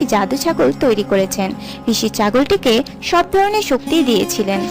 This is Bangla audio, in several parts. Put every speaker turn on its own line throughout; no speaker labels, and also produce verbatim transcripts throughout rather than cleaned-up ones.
জাদু ছাগল তৈরি করেছেন। ঋষি ছাগলটিকে সব ধরনের শক্তি দিয়েছিলেন।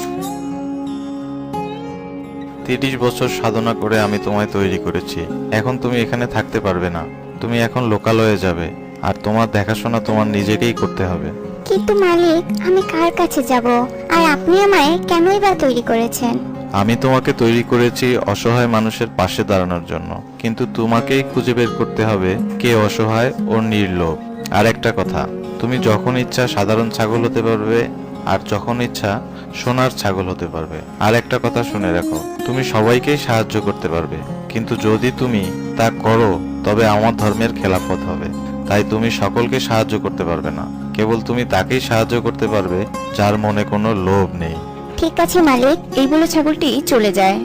তিরিশ বছর সাধনা করে আমি তোমায় তৈরি করেছি। এখন তুমি এখানে থাকতে পারবে না, তুমি এখন লোকালয়ে যাবে, আর তোমার দেখাশোনা তোমার নিজেকেই করতে হবে।
কিন্তু মালিক, আমি কার কাছে যাব? আর আপনি আমায় কেনই বা তৈরি করেছেন?
আমি তোমাকে তৈরি করেছি অসহায় মানুষের পাশে দাঁড়ানোর জন্য, কিন্তু তোমাকেই খুঁজে বের করতে হবে কে অসহায় ও নির্লোভ। আর একটা কথা, তুমি যখন ইচ্ছা সাধারণ ছাগল হতে পারবে, আর যখন ইচ্ছা সোনার ছাগল হতে পারবে। আর একটা কথা শুনে রাখো, তুমি সবাইকেই সাহায্য করতে পারবে, কিন্তু যদি তুমি তা করো তবে আমার ধর্মের খেলাফত হবে। তাই তুমি সকলকে সাহায্য করতে পারবে না, কেবল তুমি তাকেই সাহায্য করতে পারবে যার মনে কোনো লোভ নেই।
ঠিক আছে মালিক।
এই বলে ছাগলটি চলে যায়।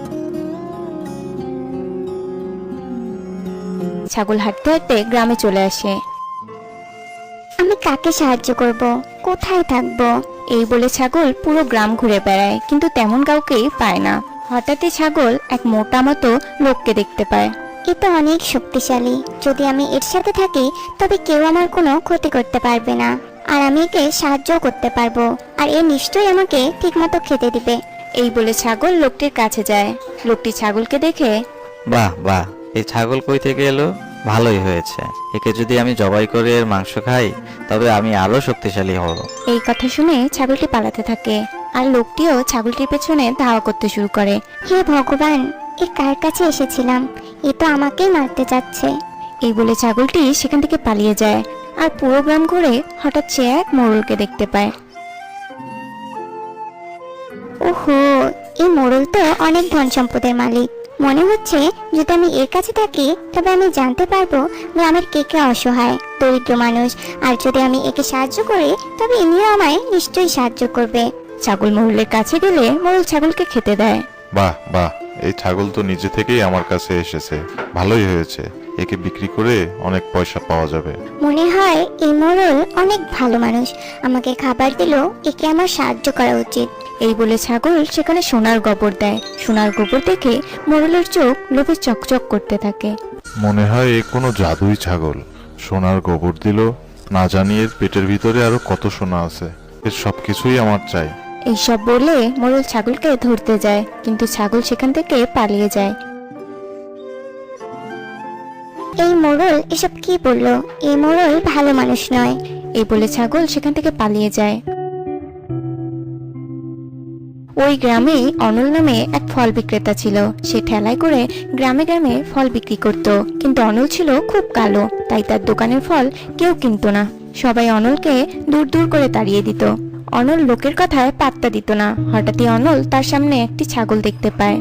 ছাগল হাঁটতে হাঁটতে গ্রামে চলে আসে।
আমি কাকে সাহায্য করব? কোথায় থাকবো?
এই বলে ছাগল পুরো গ্রাম ঘুরে বেড়ায়, কিন্তু তেমন কাউকেই পায় না। হঠাৎই ছাগল এক মোটা মতো লোককে দেখতে পায়।
এ তো অনেক শক্তিশালী। যদি আমি এর সাথে থাকি তবে কেউ আমার কোনো ক্ষতি করতে পারবে না, আর আমি একে সাহায্য করতে পারবো, আর এ নিশ্চয়ই আমাকে ঠিকমতো খেতে দিবে।
এই বলে ছাগল লোকটির কাছে যায়। লোকটি ছাগলকে দেখে,
বাহ বাহ, এই ছাগল কই থেকে এলো? ভালোই হয়েছে, একে যদি আমি জবাই করে এর মাংস খাই তবে আমি আরো শক্তিশালী হব।
এই কথা শুনে ছাগলটি পালাতে থাকে, আর লোকটিও ছাগলটির পেছনে ধাওয়া করতে শুরু করে।
হে ভগবান, এ কার কাছে এসেছিলাম? এ তো আমাকেই মারতে যাচ্ছে।
এই বলে ছাগলটি সেখান থেকে পালিয়ে যায়, আর পুরো গ্রাম ঘুরে হঠাৎ সে এক মোড়লকে দেখতে পায়।
ওহো, এই মোড়ল তো অনেক ধন সম্পদের মালিক। মনে হচ্ছে যদি আমি এর কাছে থাকি তবে আমি জানতে পারবো গ্রামের কে কে অসহায় দরিদ্র মানুষ, আর যদি আমি একে সাহায্য করি তবে ইনিও আমায় নিশ্চয়ই সাহায্য করবে।
ছাগল মোড়লের কাছে গেলে মোড়ল ছাগলকে খেতে দেয়।
বাহ বাহ, এই ছাগল তো নিজে থেকেই আমার কাছে এসেছে, ভালোই হয়েছে, একে বিক্রি করে অনেক পয়সা পাওয়া যাবে।
মনে হয় এই মোড়ল অনেক ভালো মানুষ, আমাকে খাবার দিলেও একে আমার সাহায্য করা উচিত।
এই বলে ছাগল সেখানে সোনার গোবর দেয়। সোনার গোবর দেখে মোড়লের চোখ লোভে চকচক করতে থাকে।
মনে হয় এ কোনো জাদুই ছাগল, সোনার গোবর দিল, না জানি এর পেটের ভিতরে আরো কত সোনা আছে, এর সবকিছুই আমার চাই।
এইসব বলে মোড়ল ছাগলকে ধরতে যায়, কিন্তু ছাগল সেখান থেকে পালিয়ে যায়।
এই মোড়ল এসব কি বললো? এই মোড়ল ভালো মানুষ নয়।
এই বলে ছাগল সেখান থেকে পালিয়ে যায়। ওই গ্রামেই অনল নামে এক ফল বিক্রেতা ছিল। সে ঠেলায় করে গ্রামে গ্রামে ফল বিক্রি করত, কিন্তু অনল ছিল খুব কালো, তাই তার দোকানের ফল কেউ কিনতো না। সবাই অনলকে দূর দূর করে তাড়িয়ে দিত। অনল লোকের কথায় পাত্তা দিত না। হঠাৎই অনল তার সামনে একটি ছাগল দেখতে পায়।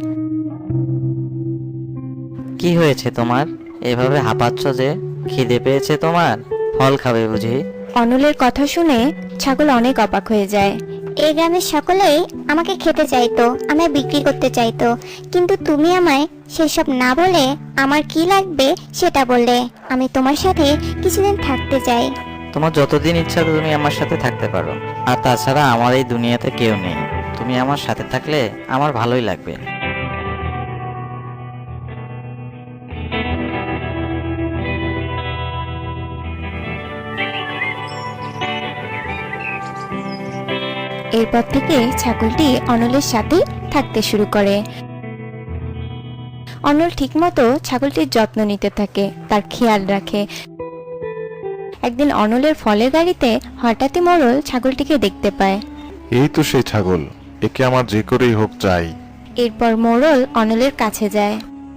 কি হয়েছে তোমার? এভাবে হাঁপাচ্ছ যে? খিদে পেয়েছে তোমার? ফল খাবে বুঝি?
অনলের কথা শুনে ছাগল অনেক অবাক হয়ে যায়।
এই গ্রামের সকলেই আমাকে খেতে চাইতো, আমায় বিক্রি করতে চাইতো, কিন্তু তুমি আমায় সেসব না বলে আমার কি লাগবে সেটা বললে। আমি তোমার সাথে কিছুদিন থাকতে চাই।
তোমার যতদিন ইচ্ছা তুমি আমার সাথে থাকতে পারো, আর তাছাড়া আমার এই দুনিয়াতে কেউ নেই। তুমি আমার সাথে থাকলে আমার ভালোই লাগবে।
এরপর থেকে ছাগলটি অনলের সাথে থাকতে শুরু করে। অনল ঠিকমতো ছাগলটির যত্ন নিতে থাকে, তার খেয়াল রাখে। একদিন অনলের ফলের গাড়িতে হঠাৎই মোড়ল ছাগলটিকে দেখতে পায়।
এই তো সেই ছাগল, একে আমার যে করেই হোক চাই।
এরপর মোড়ল অনলের কাছে যায়।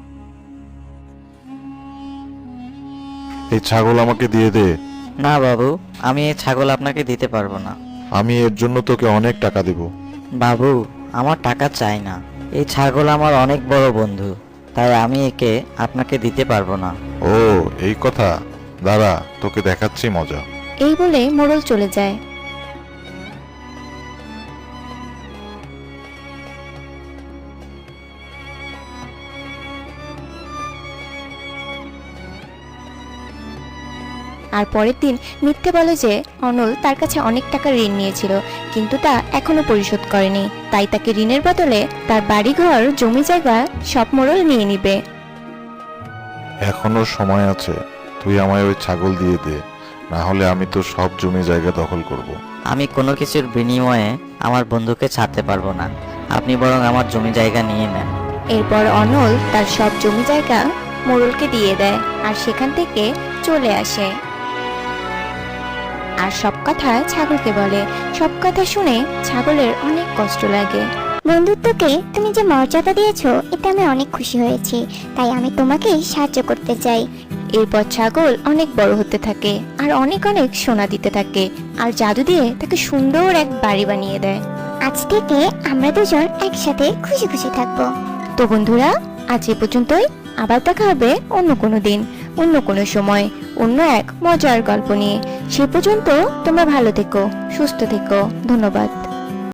এই ছাগল আমাকে দিয়ে দে।
না বাবু, আমি এই ছাগল আপনাকে দিতে পারবো না।
আমি এর জন্য তোকে অনেক টাকা দেব।
বাবু, আমার টাকা চাই না। এই ছাগল আমার অনেক বড় বন্ধু, তাই আমি একে আপনাকে দিতে পারবো না।
ও এই কথা, দাঁড়া তোকে দেখাচ্ছি মজা।
এই বলে মোড়ল চলে যায়। আর পরের দিন মিথ্যে বলে যে অনল তার কাছে অনেক টাকা ঋণ নিয়েছিল, কিন্তু তা এখনো পরিশোধ করেনি। তাই তাকে ঋণের বদলে তার বাড়িঘর জমি জায়গা সব মোড়ল নিয়ে নিবে।
এখনো সময় আছে, তুই আমায় ওই ছাগল দিয়ে দে, না হলে আমি তো সব জমি জায়গা দখল করব।
আমি কোনো কিছুর বিনিময়ে আমার বন্ধুকে ছাড়তে পারবো না। আপনি বরং আমার জমি জায়গা নিয়ে নেন।
এরপর অনল তার সব জমি জায়গা মোড়লকে দিয়ে দেয় আর সেখান থেকে চলে আসে আর সব কথা ছাগলকে বলে। সব কথা শুনে ছাগলের অনেক কষ্ট লাগে।
বন্ধুত্বকে তুমি যে মর্যাদা দিয়েছো এতে আমি অনেক খুশি হয়েছি, তাই আমি তোমাকে সাহায্য করতে চাই।
এরপর ছাগল অনেক বড় হতে থাকে আর অনেক অনেক সোনা দিতে থাকে আর জাদু দিয়ে তাকে সুন্দর এক বাড়ি বানিয়ে দেয়।
আজ থেকে আমরা দুজন একসাথে খুশি খুশি থাকবো।
তো বন্ধুরা, আজ এ পর্যন্তই। আবার দেখা হবে অন্য কোনো দিন, অন্য কোনো সময়, অন্য এক মজার গল্প নিয়ে। সে পর্যন্ত তোমরা ভালো থেকো, সুস্থ থেকো। ধন্যবাদ।